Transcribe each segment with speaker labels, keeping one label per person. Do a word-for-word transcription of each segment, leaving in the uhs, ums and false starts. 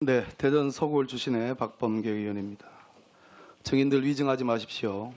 Speaker 1: 네, 대전 서구울 출신의 박범계 의원입니다. 증인들 위증하지 마십시오.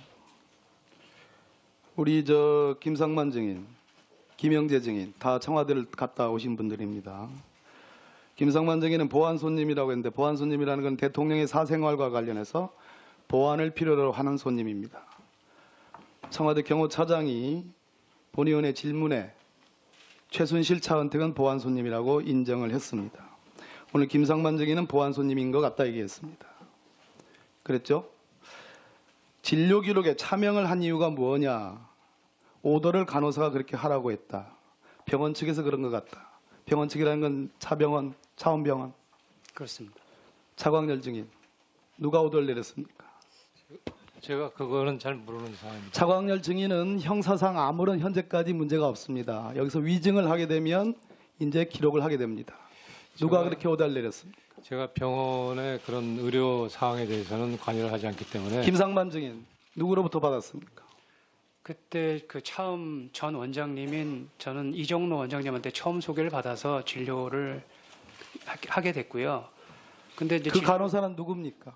Speaker 1: 우리 저 김상만 증인, 김영재 증인 다 청와대를 갔다 오신 분들입니다. 김상만 증인은 보안 손님이라고 했는데 보안 손님이라는 건 대통령의 사생활과 관련해서 보안을 필요로 하는 손님입니다. 청와대 경호차장이 본 의원의 질문에 최순실 차은택은 보안 손님이라고 인정을 했습니다. 오늘 김상만 증인은 보안 손님인 것 같다 얘기했습니다. 그랬죠? 진료 기록에 차명을 한 이유가 뭐냐? 오더를 간호사가 그렇게 하라고 했다. 병원 측에서 그런 것 같다. 병원 측이라는 건 차병원, 차원병원.
Speaker 2: 그렇습니다.
Speaker 1: 차광렬 증인, 누가 오더를 내렸습니까?
Speaker 2: 제가 그거는 잘 모르는 상황입니다.
Speaker 1: 차광렬 증인은 형사상 아무런 현재까지 문제가 없습니다. 여기서 위증을 하게 되면 이제 기록을 하게 됩니다. 누가
Speaker 2: 제가,
Speaker 1: 그렇게 오더를 내렸습니까?
Speaker 2: 제가 병원의 그런 의료 사항에 대해서는 관여를 하지 않기 때문에.
Speaker 1: 김상만 증인, 누구로부터 받았습니까?
Speaker 3: 그때 그 처음 전 원장님인 저는 이정로 원장님한테 처음 소개를 받아서 진료를 하게 됐고요. 근데 이제
Speaker 1: 그
Speaker 3: 진-
Speaker 1: 간호사는 누굽니까?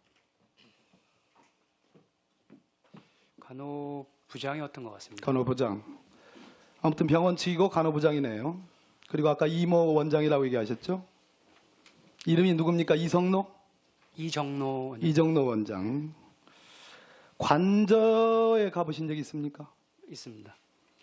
Speaker 3: 간호부장이었던 것 같습니다.
Speaker 1: 간호부장. 아무튼 병원 측이고 간호부장이네요. 그리고 아까 이모 원장이라고 얘기하셨죠? 이름이 누굽니까? 이성로?
Speaker 3: 이정로 원장.
Speaker 1: 이정로 원장. 관저에 가보신 적 있습니까?
Speaker 3: 있습니다.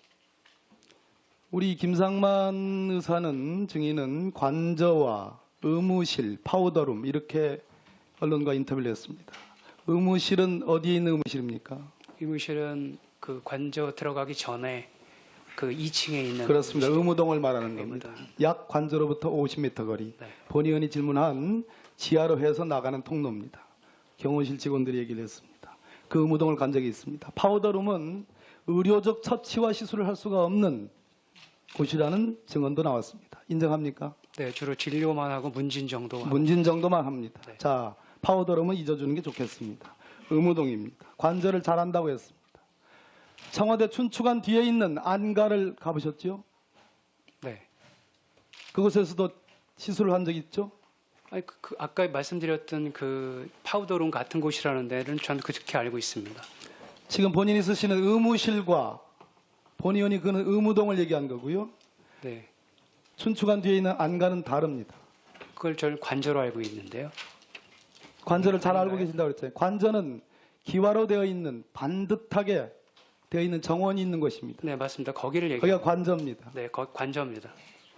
Speaker 1: 우리 김상만 의사는 증인은 관저와 의무실, 파우더룸 이렇게 언론과 인터뷰를 했습니다. 의무실은 어디에 있는 의무실입니까?
Speaker 3: 의무실은 그 관저 들어가기 전에 그 이 층에 있는
Speaker 1: 그렇습니다.
Speaker 3: 의무실.
Speaker 1: 의무동을 말하는 겁니다. 약 관저로부터 오십 미터 거리.
Speaker 3: 네.
Speaker 1: 본 의원이 질문한 지하로 해서 나가는 통로입니다. 경호실 직원들이 얘기를 했습니다. 그 의무동을 간 적이 있습니다. 파우더룸은 의료적 처치와 시술을 할 수가 없는 곳이라는 증언도 나왔습니다. 인정합니까?
Speaker 3: 네, 주로 진료만 하고 문진 정도. 하고.
Speaker 1: 문진 정도만 합니다.
Speaker 3: 네.
Speaker 1: 자, 파우더룸은 잊어주는 게 좋겠습니다. 의무동입니다. 관저를 잘한다고 했습니다. 청와대 춘추관 뒤에 있는 안가를 가보셨죠?
Speaker 3: 네.
Speaker 1: 그곳에서도 시술을 한 적 있죠?
Speaker 3: 아니, 그, 그 아까 말씀드렸던 그 파우더룸 같은 곳이라는 데는 저는 그렇게 알고 있습니다.
Speaker 1: 지금 본인이 쓰시는 의무실과 본 의원이 그는 의무동을 얘기한 거고요.
Speaker 3: 네.
Speaker 1: 춘추관 뒤에 있는 안가는 다릅니다.
Speaker 3: 그걸 저는 관저로 알고 있는데요.
Speaker 1: 관저를 잘 알고
Speaker 3: 아닌가요?
Speaker 1: 계신다고 그랬잖아요. 관저는 기와로 되어 있는 반듯하게 되어 있는 정원이 있는 곳입니다.
Speaker 3: 네, 맞습니다. 거기를 얘기.
Speaker 1: 거기가 관저입니다.
Speaker 3: 네, 거, 관저입니다.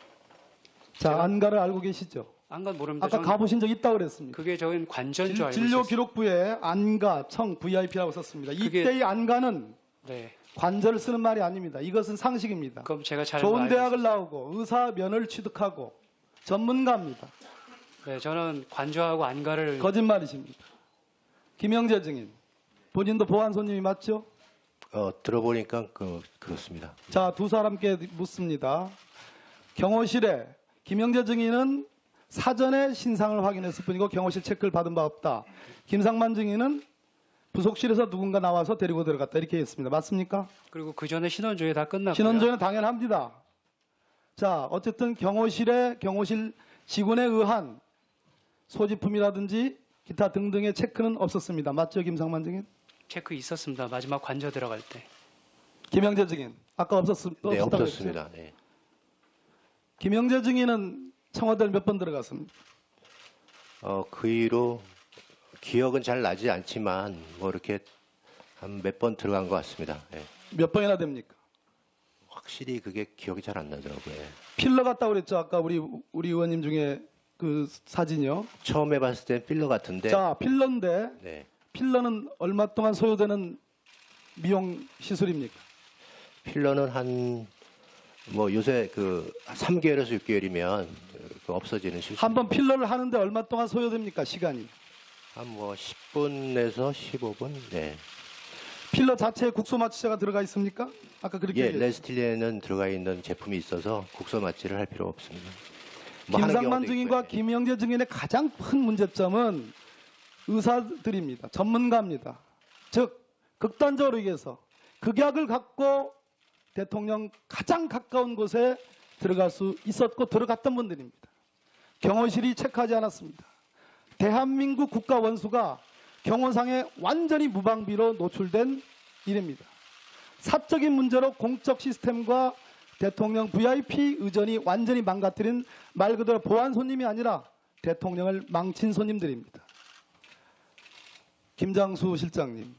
Speaker 1: 자,
Speaker 3: 제가-
Speaker 1: 안가를 알고 계시죠?
Speaker 3: 안간 모릅니다.
Speaker 1: 아까
Speaker 3: 저는
Speaker 1: 가보신 적 있다고 그랬습니다.
Speaker 3: 그게 저는 관저인 줄
Speaker 1: 진-
Speaker 3: 알고
Speaker 1: 진료
Speaker 3: 있었어요.
Speaker 1: 기록부에 안가, 청, 브이아이피라고 썼습니다.
Speaker 3: 그게-
Speaker 1: 이때의 안가는
Speaker 3: 네.
Speaker 1: 관저를 쓰는 말이 아닙니다. 이것은 상식입니다.
Speaker 3: 그럼 제가 잘
Speaker 1: 좋은
Speaker 3: 알고
Speaker 1: 대학을 나오고 의사 면허를 취득하고 전문가입니다.
Speaker 3: 네, 저는 관저하고 안가를
Speaker 1: 거짓말이십니다. 김영재 증인, 본인도 보안 손님이 맞죠?
Speaker 4: 어, 들어보니까 그, 그렇습니다.
Speaker 1: 자, 두 사람께 묻습니다. 경호실에 김영재 증인은 사전에 신상을 확인했을 뿐이고 경호실 체크를 받은 바 없다. 김상만 증인은 부속실에서 누군가 나와서 데리고 들어갔다. 이렇게 했습니다. 맞습니까?
Speaker 3: 그리고 그 전에 신원조회 다 끝났고요.
Speaker 1: 신원조회는 당연합니다. 자, 어쨌든 경호실에 경호실 직원에 의한 소지품이라든지 기타 등등의 체크는 없었습니다. 맞죠, 김상만 증인?
Speaker 3: 체크 있었습니다. 마지막 관저 들어갈 때.
Speaker 1: 김영재 증인, 아까 없었,
Speaker 4: 네,
Speaker 1: 없었다고 했죠?
Speaker 4: 없었습니다. 네.
Speaker 1: 김영재 증인은 청와대를 몇 번 들어갔습니까?
Speaker 4: 어, 그 이후로 기억은 잘 나지 않지만 뭐 이렇게 한 몇 번 들어간 것 같습니다. 네.
Speaker 1: 몇 번이나 됩니까?
Speaker 4: 확실히 그게 기억이 잘 안 나더라고요. 예. 필러
Speaker 1: 필러 같다고 그랬죠. 아까 우리 우리 의원님 중에 그 사진이요.
Speaker 4: 처음 해봤을 땐 필러 같은데.
Speaker 1: 자, 필러인데
Speaker 4: 네.
Speaker 1: 필러는 얼마 동안 소요되는 미용 시술입니까?
Speaker 4: 필러는 한 뭐 요새 그 삼 개월에서 육 개월이면 그 없어지는 시술.
Speaker 1: 한 번 필러를 하는데 얼마 동안 소요됩니까? 시간이.
Speaker 4: 한뭐 십 분에서 십오 분. 네.
Speaker 1: 필러 자체에 국소 마취제가 들어가 있습니까? 아까 그렇게
Speaker 4: 예,
Speaker 1: 얘기했죠.
Speaker 4: 레스틸리에는 들어가 있는 제품이 있어서 국소 마취를 할 필요 없습니다. 뭐 하는
Speaker 1: 김상만
Speaker 4: 경우도
Speaker 1: 증인과
Speaker 4: 있고요.
Speaker 1: 김영재 증인의 가장 큰 문제점은 의사들입니다. 전문가입니다. 즉 극단적으로 얘기해서 극약을 갖고 대통령 가장 가까운 곳에 들어갈 수 있었고 들어갔던 분들입니다. 경호실이 체크하지 않았습니다. 대한민국 국가 원수가 경호상에 완전히 무방비로 노출된 일입니다. 사적인 문제로 공적 시스템과 대통령 브이아이피 의전이 완전히 망가뜨린 말 그대로 보안 손님이 아니라 대통령을 망친 손님들입니다. 김장수 실장님,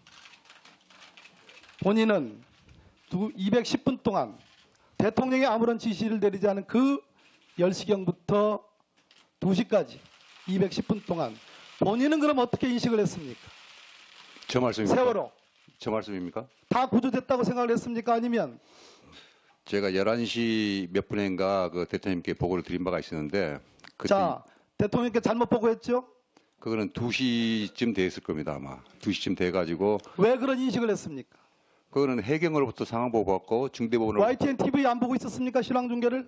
Speaker 1: 본인은 이백십 분 동안 대통령이 아무런 지시를 내리지 않은 그 열 시경부터 두 시까지 이백십 분 동안 본인은 그럼 어떻게 인식을 했습니까?
Speaker 5: 저 말씀입니까?
Speaker 1: 세월호
Speaker 5: 저 말씀입니까?
Speaker 1: 다 구조됐다고 생각을 했습니까? 아니면
Speaker 5: 제가 열한 시 몇 분인가 그 대통령님께 보고를 드린 바가 있었는데 그때
Speaker 1: 자 대통령께 잘못 보고했죠?
Speaker 5: 그거는 두 시쯤 됐을 겁니다 아마. 두 시쯤 돼가지고
Speaker 1: 왜 그런 인식을 했습니까?
Speaker 5: 그거는 해경으로부터 상황 보고 받고 중대본으로
Speaker 1: 와이티엔 티비 안 보고 있었습니까? 실황 중계를?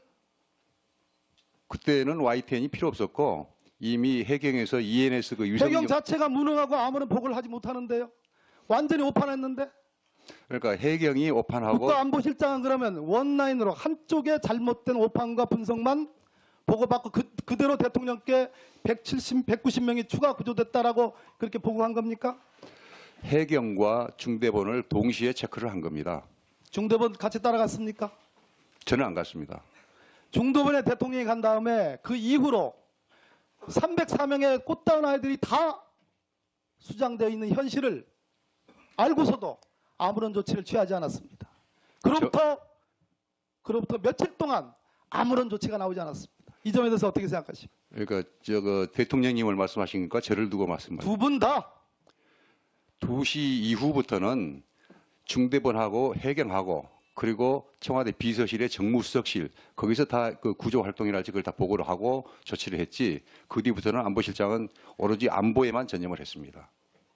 Speaker 5: 그때는 와이티엔이 필요 없었고 이미 해경에서 이엔에스 그 유성
Speaker 1: 해경 자체가 무능하고 아무런 보고를 하지 못하는데요. 완전히 오판했는데.
Speaker 5: 그러니까 해경이 오판하고
Speaker 1: 국가안보실장은 그러면 원라인으로 한쪽의 잘못된 오판과 분석만 보고받고 그, 그대로 대통령께 백칠십, 백구십 명이 추가 구조됐다라고 그렇게 보고한 겁니까?
Speaker 5: 해경과 중대본을 동시에 체크를 한 겁니다.
Speaker 1: 중대본 같이 따라갔습니까?
Speaker 5: 저는 안 갔습니다.
Speaker 1: 중도본에 대통령이 간 다음에 그 이후로 삼백사 명의 꽃다운 아이들이 다 수장되어 있는 현실을 알고서도 아무런 조치를 취하지 않았습니다. 그로부터 그로부터 며칠 동안 아무런 조치가 나오지 않았습니다. 이 점에 대해서 어떻게 생각하십니까?
Speaker 5: 그러니까 저거 대통령님을 말씀하시니까 저를 두고 말씀하십니다.
Speaker 1: 두 분 다
Speaker 5: 두 시 이후부터는 중대본하고 해경하고 그리고 청와대 비서실의 정무수석실 거기서 다 그 구조 활동이랄지 그걸 다 보고를 하고 조치를 했지 그 뒤부터는 안보실장은 오로지 안보에만 전념을 했습니다.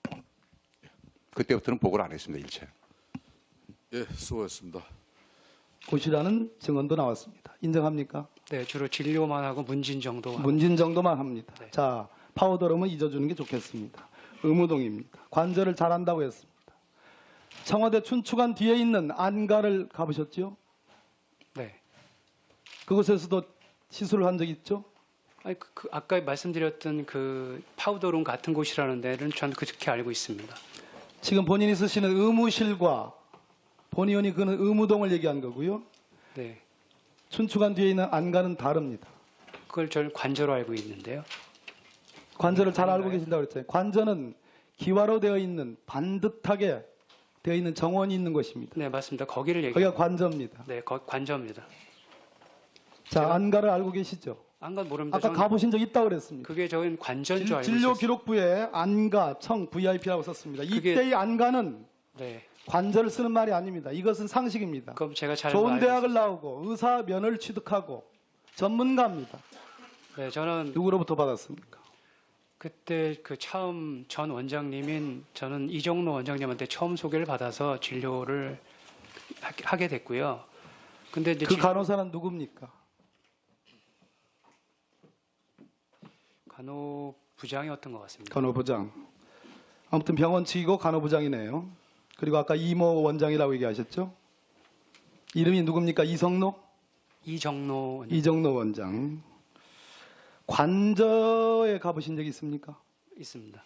Speaker 5: 그때부터는 보고를 안 했습니다. 일체.
Speaker 6: 예, 수고했습니다.
Speaker 1: 고시라는 증언도 나왔습니다. 인정합니까?
Speaker 3: 네, 주로 진료만 하고 문진 정도. 하고.
Speaker 1: 문진 정도만 합니다.
Speaker 3: 네.
Speaker 1: 자, 파우더룸은 잊어주는 게 좋겠습니다. 의무동입니다. 관절을 잘한다고 했습니다. 청와대 춘추관 뒤에 있는 안가를 가보셨죠?
Speaker 3: 네.
Speaker 1: 그곳에서도 시술을 한 적 있죠?
Speaker 3: 아니, 그, 그 아까 말씀드렸던 그 파우더룸 같은 곳이라는 데는 저는 그렇게 알고 있습니다.
Speaker 1: 지금 본인이 쓰시는 의무실과 본 의원이 그는 의무동을 얘기한 거고요.
Speaker 3: 네.
Speaker 1: 춘추관 뒤에 있는 안가는 다릅니다.
Speaker 3: 그걸 저는 관저로 알고 있는데요.
Speaker 1: 관절을 잘 알고
Speaker 3: 아닌가요?
Speaker 1: 계신다고 그랬잖아요. 관절은 기와로 되어 있는 반듯하게 되어 있는 정원이 있는 것입니다.
Speaker 3: 네, 맞습니다. 거기를
Speaker 1: 거기가
Speaker 3: 얘기합니다.
Speaker 1: 관저입니다.
Speaker 3: 네, 거, 관저입니다.
Speaker 1: 자,
Speaker 3: 제가-
Speaker 1: 안가를 알고 계시죠?
Speaker 3: 안간 모릅니다.
Speaker 1: 아까
Speaker 3: 저는
Speaker 1: 가보신 적 있다고 그랬습니다.
Speaker 3: 그게 저는 관저인 줄
Speaker 1: 진-
Speaker 3: 알고
Speaker 1: 진료
Speaker 3: 있었어요.
Speaker 1: 기록부에 안가, 청, 브이아이피라고 썼습니다.
Speaker 3: 그게-
Speaker 1: 이때의 안가는
Speaker 3: 네.
Speaker 1: 관절을 쓰는 말이 아닙니다. 이것은 상식입니다.
Speaker 3: 그럼 제가 잘
Speaker 1: 좋은
Speaker 3: 알고
Speaker 1: 대학을
Speaker 3: 있었어요.
Speaker 1: 나오고 의사 면허를 취득하고 전문가입니다.
Speaker 3: 네, 저는
Speaker 1: 누구로부터 받았습니까?
Speaker 3: 그때 그 처음 전 원장님인 저는 이정로 원장님한테 처음 소개를 받아서 진료를 하- 하게 됐고요. 근데 이제
Speaker 1: 그
Speaker 3: 진-
Speaker 1: 간호사는 누굽니까?
Speaker 3: 간호부장이었던 것 같습니다.
Speaker 1: 간호부장. 아무튼 병원 측이고 간호부장이네요. 그리고 아까 이모 원장이라고 얘기하셨죠? 이름이 누굽니까? 이성노?
Speaker 3: 이정로 원장
Speaker 1: 이정노 원장. 관저에 가보신 적 있습니까?
Speaker 3: 있습니다.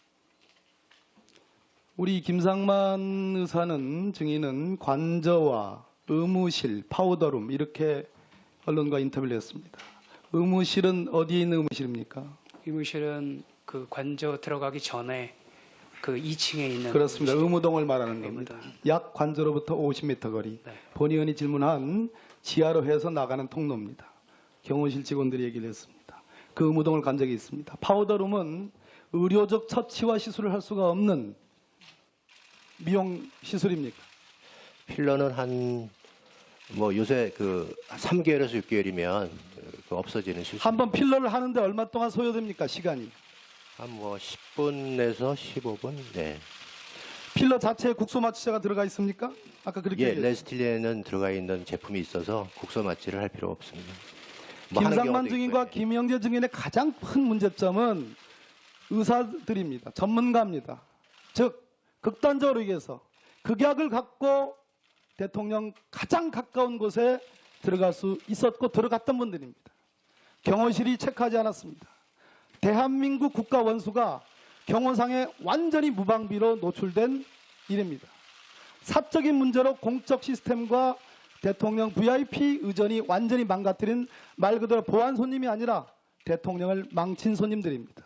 Speaker 1: 우리 김상만 의사는 증인은 관저와 의무실, 파우더룸 이렇게 언론과 인터뷰를 했습니다. 의무실은 어디에 있는 의무실입니까?
Speaker 3: 의무실은 그 관저 들어가기 전에 그 이 층에 있는
Speaker 1: 그렇습니다.
Speaker 3: 의무실.
Speaker 1: 의무동을 말하는 겁니다.
Speaker 3: 의무동.
Speaker 1: 약 관저로부터 오십 미터 거리.
Speaker 3: 네.
Speaker 1: 본 의원이 질문한 지하로 해서 나가는 통로입니다. 경호실 직원들이 얘기를 했습니다. 그 의무동을 간 적이 있습니다. 파우더룸은 의료적 처치와 시술을 할 수가 없는 미용 시술입니까?
Speaker 4: 필러는 한 뭐 요새 그 삼 개월에서 육 개월이면 그 없어지는 시술.
Speaker 1: 한 번 필러를 하는데 얼마 동안 소요됩니까? 시간이.
Speaker 4: 한뭐 십 분에서 십오 분. 네.
Speaker 1: 필러 자체에 국소 마취제가 들어가 있습니까? 아까 그렇게
Speaker 4: 예,
Speaker 1: 얘기했죠.
Speaker 4: 레스틸리에는 들어가 있는 제품이 있어서 국소 마취를 할 필요 없습니다. 뭐 하는
Speaker 1: 김상만
Speaker 4: 경우도
Speaker 1: 증인과
Speaker 4: 있고요.
Speaker 1: 김영재 증인의 가장 큰 문제점은 의사들입니다. 전문가입니다. 즉 극단적으로 얘기해서 극약을 갖고 대통령 가장 가까운 곳에 들어갈 수 있었고 들어갔던 분들입니다. 경호실이 체크하지 않았습니다. 대한민국 국가 원수가 경호상에 완전히 무방비로 노출된 일입니다. 사적인 문제로 공적 시스템과 대통령 브이아이피 의전이 완전히 망가뜨린 말 그대로 보안 손님이 아니라 대통령을 망친 손님들입니다.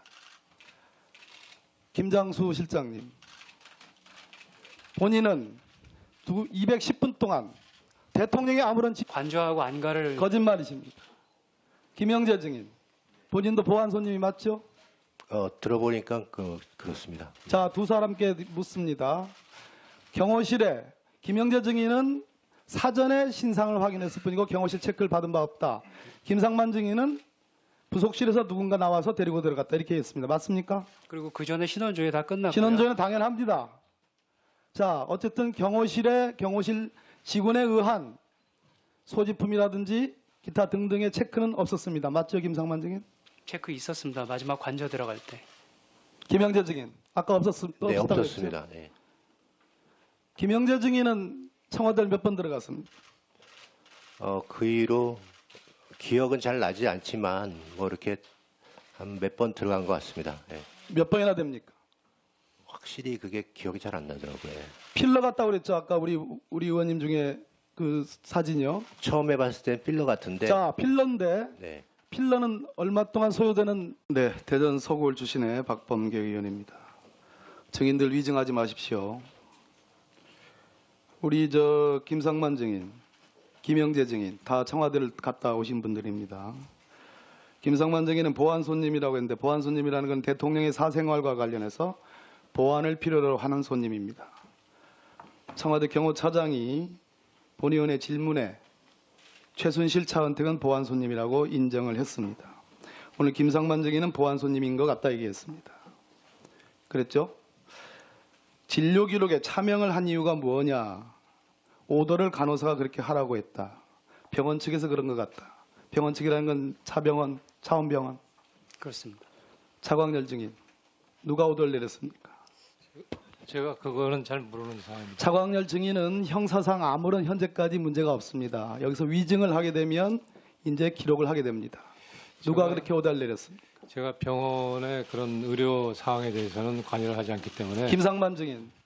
Speaker 1: 김장수 실장님, 본인은 이백십 분 동안 대통령의 아무런 지...
Speaker 3: 관저하고 안가를
Speaker 1: 거짓말이십니다. 김영재 증인, 본인도 보안 손님이 맞죠?
Speaker 4: 어, 들어보니까 그, 그렇습니다.
Speaker 1: 자, 두 사람께 묻습니다. 경호실에 김영재 증인은 사전에 신상을 확인했을 뿐이고 경호실 체크를 받은 바 없다. 김상만 증인은 부속실에서 누군가 나와서 데리고 들어갔다. 이렇게 했습니다. 맞습니까?
Speaker 3: 그리고 그 전에 신원조회 다 끝났고요.
Speaker 1: 신원조회는 당연합니다. 자, 어쨌든 경호실에 경호실 직원에 의한 소지품이라든지 기타 등등의 체크는 없었습니다. 맞죠, 김상만 증인?
Speaker 3: 체크 있었습니다. 마지막 관저 들어갈 때.
Speaker 1: 김영재 증인, 아까 없었,
Speaker 4: 네,
Speaker 1: 없었다고 했죠?
Speaker 4: 없었습니다. 네.
Speaker 1: 김영재 증인은 청와대를 몇 번 들어갔습니다.
Speaker 4: 어, 그 이후로 기억은 잘 나지 않지만 뭐 이렇게 한 몇 번 들어간 것 같습니다. 예.
Speaker 1: 몇 번이나 됩니까?
Speaker 4: 확실히 그게 기억이 잘 안 나더라고요. 예.
Speaker 1: 필러 같다고 그랬죠. 아까 우리 우리 의원님 중에 그 사진이요.
Speaker 4: 처음 해봤을 땐 필러 같은데.
Speaker 1: 자, 필러인데
Speaker 4: 네.
Speaker 1: 필러는 얼마 동안 소요되는? 네, 대전 서구울 출신의 박범계 의원입니다. 증인들 위증하지 마십시오. 우리 저 김상만 증인, 김영재 증인 다 청와대를 갔다 오신 분들입니다. 김상만 증인은 보안 손님이라고 했는데 보안 손님이라는 건 대통령의 사생활과 관련해서 보안을 필요로 하는 손님입니다. 청와대 경호차장이 본 의원의 질문에 최순실 차은택은 보안 손님이라고 인정을 했습니다. 오늘 김상만 증인은 보안 손님인 것 같다 얘기했습니다. 그랬죠? 진료 기록에 차명을 한 이유가 뭐냐? 오더를 간호사가 그렇게 하라고 했다. 병원 측에서 그런 것 같다. 병원 측이라는 건 차병원, 차원병원.
Speaker 3: 그렇습니다.
Speaker 1: 차광열 증인, 누가 오더를 내렸습니까?
Speaker 2: 제가 그거는 잘 모르는 사항입니다.
Speaker 1: 차광열 증인은 형사상 아무런 현재까지 문제가 없습니다. 여기서 위증을 하게 되면 이제 기록을 하게 됩니다. 누가
Speaker 2: 제가-
Speaker 1: 그렇게 오더를 내렸습니까?
Speaker 2: 제가 병원의 그런 의료 사항에 대해서는 관여를 하지 않기 때문에
Speaker 1: 김상만 증인,